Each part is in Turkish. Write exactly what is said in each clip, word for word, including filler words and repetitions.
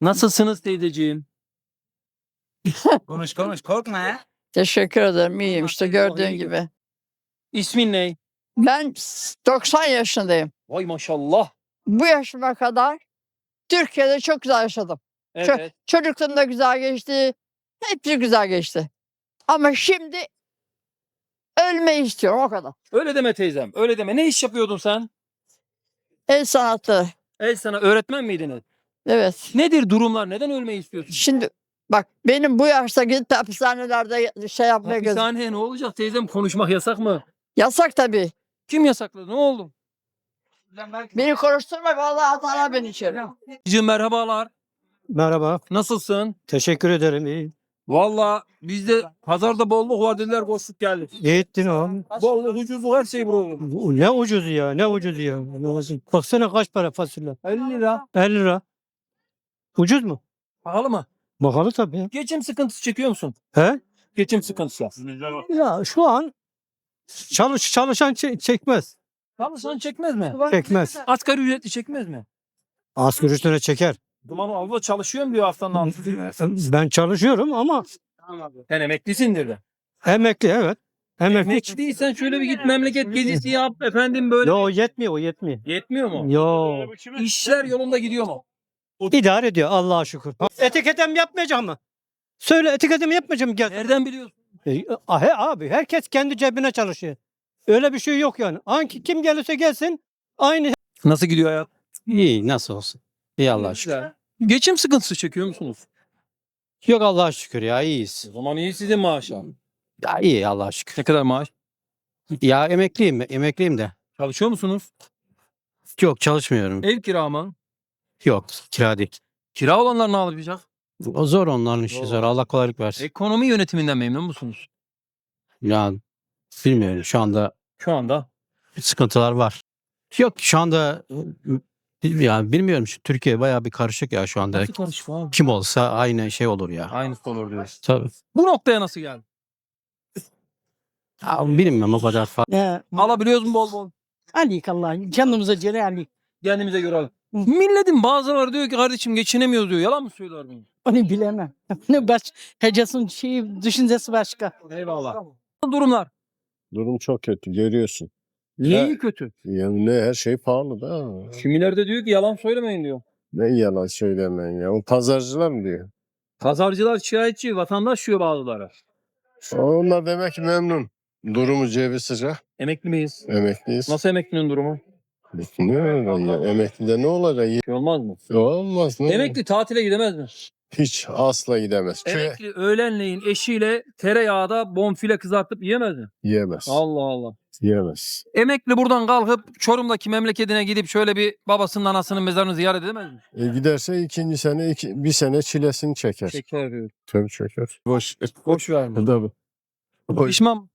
Nasılsınız teyzeciğim? Konuş konuş korkma ya. Teşekkür ederim. İyiyim Allah işte seni gördüğün koruyor. gibi. İsmin ne? Ben doksan yaşındayım. Vay maşallah. Bu yaşıma kadar Türkiye'de çok güzel yaşadım. Ço- Evet. Çocukluğum da güzel geçti. Hepsi güzel geçti. Ama şimdi ölmeyi istiyorum o kadar. Öyle deme teyzem. Öyle deme. Ne iş yapıyordun sen? El sanatları. El sana öğretmen miydiniz? Evet. Nedir durumlar? Neden ölmeyi istiyorsun? Şimdi bak benim bu yaşta gidip de hapishanelerde şey yapmaya göz. Hapishaneye ne olacak teyzem? Konuşmak yasak mı? Yasak tabii. Kim yasakladı? Ne oldu? Beni konuşturma vallahi atarlar beni içeri. Teyzeciğim merhabalar. Merhaba. Nasılsın? Teşekkür ederim. İyi. Valla bizde pazarda bolluk var dediler koştuk geldik. İyi ettin abi. Bolluk ucuzluk her şey burada. Bu Ne ucuz ya. Ne ucuz ya. Lazım. Baksana kaç para fasulye. elli lira. elli lira. Ucuz mu? Pahalı mı? Bakalım tabii ya. Geçim sıkıntısı çekiyor musun? He? Geçim sıkıntısı. Ya şu an çalış çalışan çe- çekmez. Çalışan çekmez mi? Çekmez. Asgari ücretli çekmez mi? Asgari üstüne çeker. Duman abla çalışıyorum diyor haftanın altı. Ben çalışıyorum ama Sen emeklisindir de. emekli evet. Emekli. Emekliysen şöyle bir git memleket gezisi yap efendim böyle. Yo yetmiyor o yetmiyor. Yetmiyor mu? Yo. İşler yolunda gidiyor mu? İdare ediyor Allah'a şükür. Etiketem yapmayacak mı? Söyle etiketimi yapmayacağım mı? Gel. Nereden biliyorsun? E, ah, he abi herkes kendi cebine çalışıyor. Öyle bir şey yok yani. Hangi kim gelirse gelsin aynı. Nasıl gidiyor hayat? İyi nasıl olsun. İyi Allah'a şükür. Güzel. Geçim sıkıntısı çekiyor musunuz? Yok Allah'a şükür ya iyiyiz. O zaman iyi sizin maaşlar. Ya iyi Allah'a şükür. Ne kadar maaş? Ya emekliyim emekliyim de. Çalışıyor musunuz? Yok çalışmıyorum. Ev kira mı? Yok kira değil. Kira olanlar ne yapacak? O zor onların işi Zor. zor. Allah kolaylık versin. Ekonomi yönetiminden memnun musunuz? Ya bilmiyorum şu anda Şu anda. sıkıntılar var. Yok şu anda ya bilmiyorum şu Türkiye bayağı bir karışık ya şu anda. Nasıl karışık abi? Kim olsa aynı şey olur ya. Aynısı olur diyorsun. Tabii. Bu noktaya nasıl geldi? Ya bilmiyorum o kadar fazla. Ya, Alabiliyoruz mu bol bol? alik Allah. Canımıza göre alik. Kendimize göre alalım. Milletin bazıları diyor ki kardeşim geçinemiyoruz diyor. Yalan mı söylüyor bunu? Onu bilemem. Ne baş, hecasın şeyi, düşüncesi başka. Eyvallah. Durumlar. Durum çok kötü görüyorsun. Niye Ha. iyi kötü? Yani ne her şey pahalı da. Kimiler de diyor ki yalan söylemeyin diyor. Ne yalan söylemeyin ya. O pazarcılar mı diyor? Pazarcılar şikayetçi, vatandaş diyor bazıları. Onlar demek ki memnun. Durumu cebi sıcak. Emekli miyiz? Emekliyiz. Nasıl emeklinin durumu? Ne öyle ya? Emeklide ne olacak? Şey olmaz mı? Olmaz. Ne? Emekli tatile gidemez mi? Hiç asla gidemez. Köye Emekli öğlenleyin eşiyle tereyağda bonfile kızartıp yiyemez mi? yiyemez. Allah Allah. Yiyemez. Emekli buradan kalkıp Çorum'daki memleketine gidip şöyle bir babasının anasının mezarını ziyaret edemez mi? E giderse ikinci sene iki, bir sene çilesini çeker. Şeker diyor. Tabii çeker. Boş. Boş verme. Tabii. Boş. Pişman.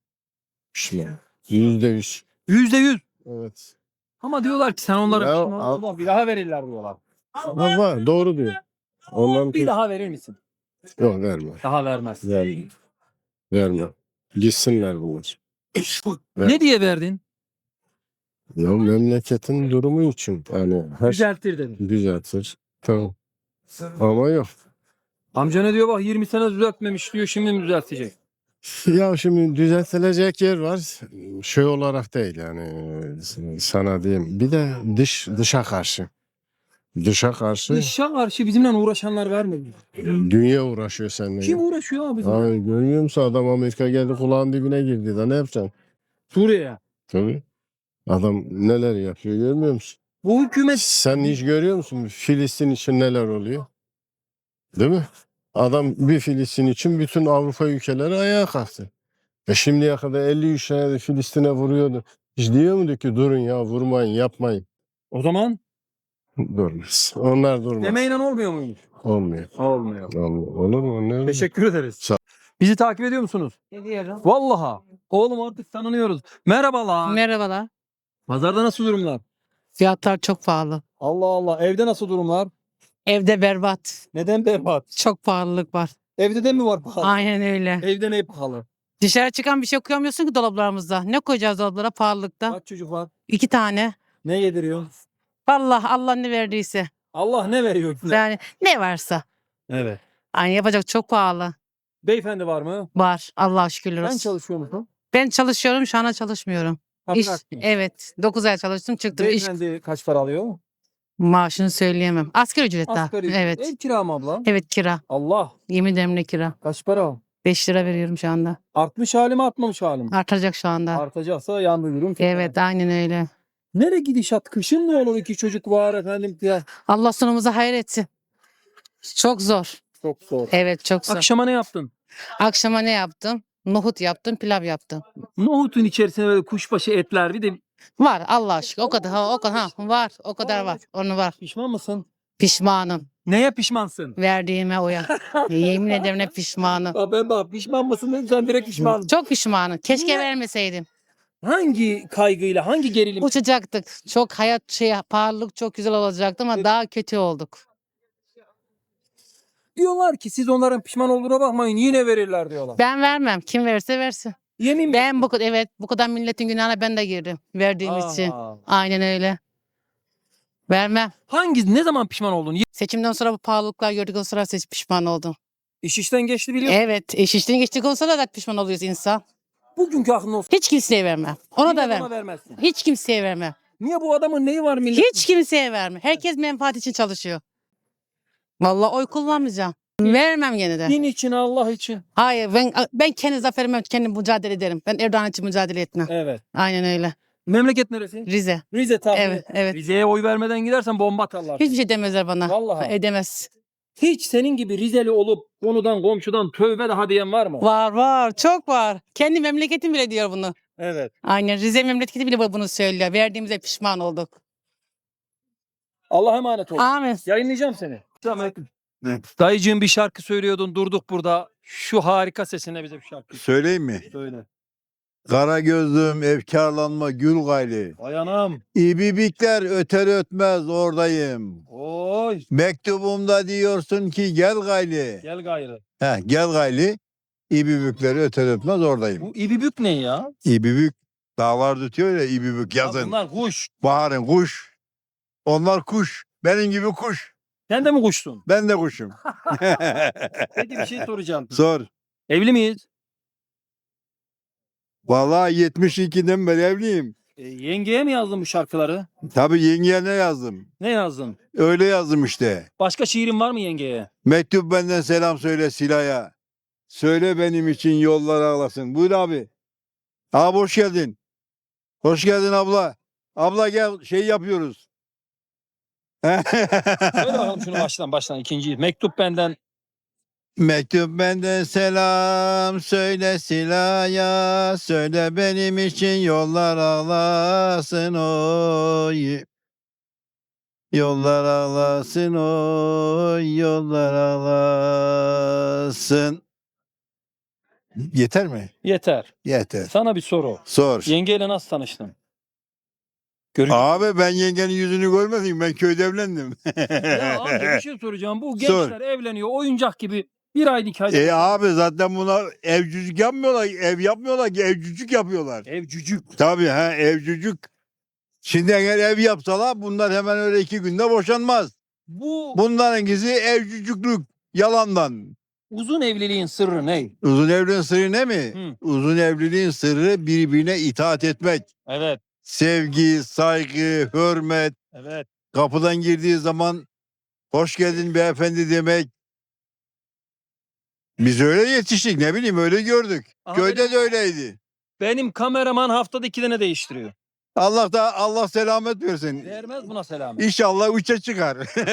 Yüzde yüz. Yüzde yüz. Evet. Ama diyorlar ki sen onlara Ya, pişman al- olma, bir daha verirler diyorlar. Ama var, doğru diyor. Onların Bir daha verir misin? yok verme. Daha vermez. Verme. Verme. Gitsinler bunlar. Ver. Ne diye verdin? Ya memleketin durumu için yani her şey Düzelttir dedin. düzeltir. Tamam. Ama yok. Amca ne diyor bak yirmi sene düzeltmemiş diyor şimdi mi düzeltecek? Ya şimdi düzeltilecek yer var. Şey olarak değil yani sana diyeyim. Bir de dış dışa karşı. Dışa karşı Dışa karşı bizimle uğraşanlar vermiyor. dünya uğraşıyor seninle. Kim uğraşıyor abi bizimle? Abi görmüyor musun adam Amerika geldi kulağın dibine girdi da ne yapacaksın? Suriye'ye. Tabii. Adam neler yapıyor görmüyor musun? Bu hükümet Sen hiç görüyor musun Filistin için neler oluyor? Değil mi? Adam bir Filistin için bütün Avrupa ülkeleri ayağa kalktı. E şimdiye kadar elli üç senedir Filistin'e vuruyordu. Hiç diyor mu ki durun ya vurmayın yapmayın. o zaman Durmaz. Onlar durmaz. demeyle olmuyor muymuş? Olmuyor. Olmuyor. Olmuyor. Olur mu? Ne? Teşekkür ederiz. Sağ- Bizi takip ediyor musunuz? Ediyorum. Vallahi. Oğlum artık tanınıyoruz. Merhabalar. Merhabalar. Pazarda nasıl durumlar? Fiyatlar çok pahalı. Allah Allah. Evde nasıl durumlar? Evde berbat. Neden berbat? Çok pahalılık var. Evde de mi var pahalı? Aynen öyle. Evde ne pahalı? Dışarı çıkan bir şey koyamıyorsun ki dolaplarımızda. Ne koyacağız dolaplara pahalılıkta? Kaç çocuk var? İki tane. Ne yediriyor? Vallahi Allah ne verdiyse. Allah ne veriyor size? Yani ne varsa. Evet. Aynı yapacak çok pahalı. Beyefendi var mı? Var. Allah'a şükürler Ben olsun. çalışıyor musun? Ben çalışıyorum. Şu anda çalışmıyorum. Ha, İş, bıraktın. evet. dokuz ay çalıştım. Çıktım. İş Beyefendi kaç para alıyor? maaşını söyleyemem. Asgari ücret daha. Asgari ücret. Evet. Ev kira mı abla? Evet kira. Allah. Yemin ederim ne kira. Kaç para? beş lira veriyorum şu anda. Artmış hali mi artmamış hali mi? Artacak şu anda. Artacaksa yandı durum. Evet aynen öyle. Nere gidişat? Kışın ne olur? İki çocuk var efendim. Ya. Allah sonumuzu hayır etsin. Çok zor. Çok zor. Evet çok zor. Akşama ne yaptın? Akşama ne yaptım? Nohut yaptım, pilav yaptım. Nohutun içerisine böyle kuşbaşı etler bir de Var Allah aşkına. O kadar ha o kadar ha var. O kadar var. Onu var. pişman mısın? Pişmanım. Neye pişmansın? Verdiğime oya. Yemin ederim ne pişmanım. Aa, ben bak pişman mısın dedim sen direkt pişman. Çok pişmanım. Keşke Niye? vermeseydim. Hangi kaygıyla hangi gerilim? Uçacaktık. Çok hayat şey pahalılık çok güzel olacaktı ama daha kötü olduk. Diyorlar ki siz onların pişman olduğuna bakmayın yine verirler diyorlar. Ben vermem. Kim verirse versin. Yemin mi? Ben bu kadar evet bu kadar milletin günahına ben de girdim. Verdiğim için. Aa. Aynen öyle. Vermem. Hangi ne zaman pişman oldun? Ye- Seçimden sonra bu pahalılıklar gördükten sonra seç pişman oldum. İş işten geçti biliyorsun. Evet. Eş işten geçtikten sonra da pişman oluyoruz insan. Bugünkü aklın olsun. Hiç kimseye vermem. Ona Yine da buna vermem. vermezsin. Hiç kimseye vermem. Niye bu adamın neyi var millet? Hiç kimseye vermem. Herkes menfaat için çalışıyor. Vallahi oy kullanmayacağım. Vermem gene de. Din için Allah için. Hayır ben ben kendi zaferime kendim mücadele ederim. Ben Erdoğan için mücadele etmem. Evet. Aynen öyle. Memleket neresi? Rize. Rize tabii. Evet, evet. Rize'ye oy vermeden gidersen bomba atarlar. Hiçbir şey demezler bana. Vallahi. Edemez. Hiç senin gibi Rizeli olup konudan komşudan tövbe daha diyen var mı? Var var. Çok var. Kendi memleketim bile diyor bunu. Evet. Aynen. Rize memleketi bile bunu söylüyor. Verdiğimize pişman olduk. Allah'a emanet ol. Amin. Yayınlayacağım seni. Dayıcığım bir şarkı söylüyordun durduk burada. Şu harika sesine bize bir şarkı Söyleyeyim mi? söyle. Kara gözlüm efkarlanma gül gayli. Vay anam. İbibikler öter ötmez oradayım. Oy. Mektubumda diyorsun ki gel gayli. Gel gayrı. Heh, gel gayli. İbibikleri öter ötmez oradayım. Bu ibibük ne ya? İbibik dağlar tutuyor ya ibibik Ya yazın. bunlar kuş. Baharın kuş. Onlar kuş. Benim gibi kuş. Sen de mi kuşsun? Ben de kuşum. Peki bir şey soracağım. Sor. Evli miyiz? Vallahi yetmiş ikiden beri evliyim. E, yengeye mi yazdın bu şarkıları? Tabii yengeye ne yazdım? Ne yazdın? Öyle yazdım işte. Başka şiirin var mı yengeye? Mektup benden selam söyle Sila'ya. Söyle benim için yollar ağlasın. Buyur abi. Abi hoş geldin. Hoş geldin abla. Abla gel şey yapıyoruz. Söyle bakalım şunu baştan baştan ikinciyi. Mektup benden. Mektup benden selam söyle Sila'ya. Söyle benim için yollar ağlasın oy. Yollar ağlasın oy. Yollar ağlasın. Yeter mi? Yeter. Yeter. Sana bir soru. Sor. Yengeyle nasıl tanıştın? Görün. Abi ben yengenin yüzünü görmedim. Ben köyde evlendim. Ya abi bir şey soracağım. Bu Sor. gençler evleniyor oyuncak gibi bir aylık iki aylık. E abi zaten buna evcücük yapmıyorlar. Ev yapmıyorlar ki evcücük yapıyorlar. Ev cücük. Tabii ha evcücük. Şimdi eğer ev yapsalar bunlar hemen öyle iki günde boşanmaz. Bu Bunların gizli evcücüklük yalandan. uzun evliliğin sırrı ne? Uzun evliliğin sırrı ne mi? Hı. Uzun evliliğin sırrı birbirine itaat etmek. Evet. Sevgi, saygı, hürmet. Evet. Kapıdan girdiği zaman hoş geldin beyefendi demek. Biz öyle yetiştik ne bileyim öyle gördük. Aha, Köyde de öyleydi. Benim kameraman haftada iki tane değiştiriyor. Allah da Allah selamet versin. Vermez buna selam. İnşallah üçe çıkar.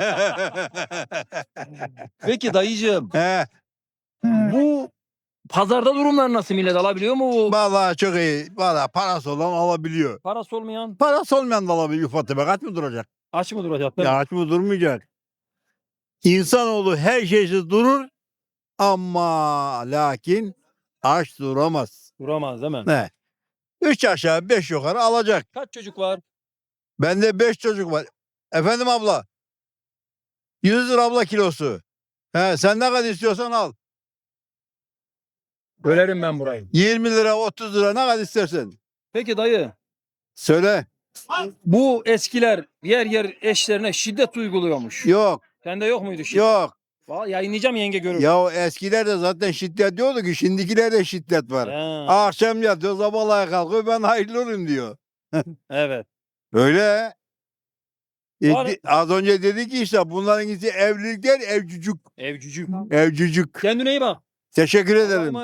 Peki dayıcığım He, bu pazarda durumlar nasıl, millet alabiliyor mu? Bu vallahi çok iyi. Vallahi parası olan alabiliyor. parası olmayan Parası olmayan da alabiliyor ufak tefek. Aç mı duracak? aç mı duracak? değil mi? Ya aç mı durmayacak? İnsanoğlu her şeysiz durur ama lakin aç duramaz. Duramaz değil mi? Ne? Üç aşağı beş yukarı alacak. Kaç çocuk var? Bende beş çocuk var. Efendim abla. yüz lira abla kilosu. He, sen ne kadar istiyorsan al. Bölerim ben burayı. yirmi lira otuz lira ne kadar istersen. Peki dayı Söyle. Bu eskiler yer yer eşlerine şiddet uyguluyormuş. Yok Sende yok muydu şiddet? yok. Vallahi yayınlayacağım yenge görür. Ya o eskilerde zaten şiddet diyordu ki şimdikilerde şiddet var. Ha, Akşam yatıyor sabahlara kalkıyor ben hayırlı olayım diyor. evet. Öyle. E, Var- di- az önce dedi ki işte bunların ikisi evlilikler evcücük. Evcücük. Evcücük. Kendine iyi bak. Teşekkür Allah'a ederim. emanet